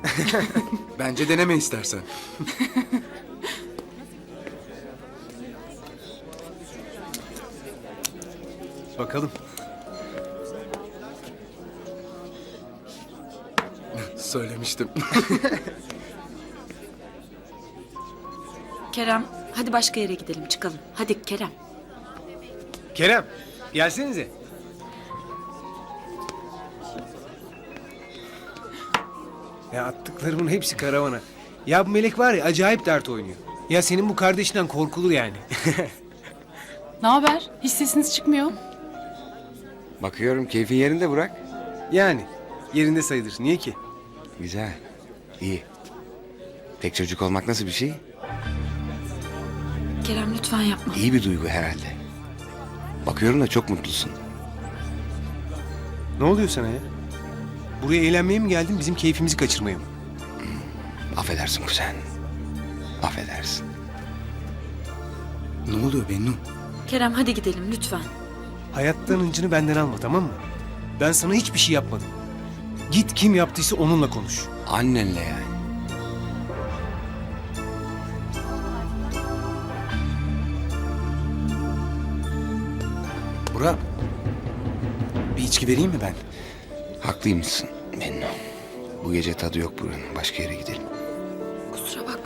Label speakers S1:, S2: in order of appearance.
S1: Bence deneme istersen.
S2: Bakalım.
S1: Söylemiştim.
S3: Kerem, hadi başka yere gidelim, çıkalım. Hadi Kerem.
S2: Kerem, gelsenize. Ya attıklarımın hepsi karavana. Ya bu Melek var ya acayip dert oynuyor. Ya senin bu kardeşinden korkulur yani.
S4: Ne haber? Hiç sesiniz çıkmıyor.
S5: Bakıyorum keyfin yerinde Burak.
S2: Yani yerinde sayılır. Niye ki?
S5: Güzel. İyi. Tek çocuk olmak nasıl bir şey?
S3: Kerem lütfen yapma.
S5: İyi bir duygu herhalde. Bakıyorum da çok mutlusun.
S2: Ne oluyor sana ya? Buraya eğlenmeye mi geldin, bizim keyfimizi kaçırmaya mı?
S5: Affedersin kuzen. Affedersin.
S1: Ne oluyor Bennu?
S3: Kerem hadi gidelim lütfen.
S2: Hayattan hıncını benden alma, tamam mı? Ben sana hiçbir şey yapmadım. Git kim yaptıysa onunla konuş.
S5: Annenle yani.
S1: Burak. Bir içki vereyim mi ben?
S5: Haklıymışsın Bennu. Bu gece tadı yok buranın. Başka yere gidelim.
S3: Kusura bakma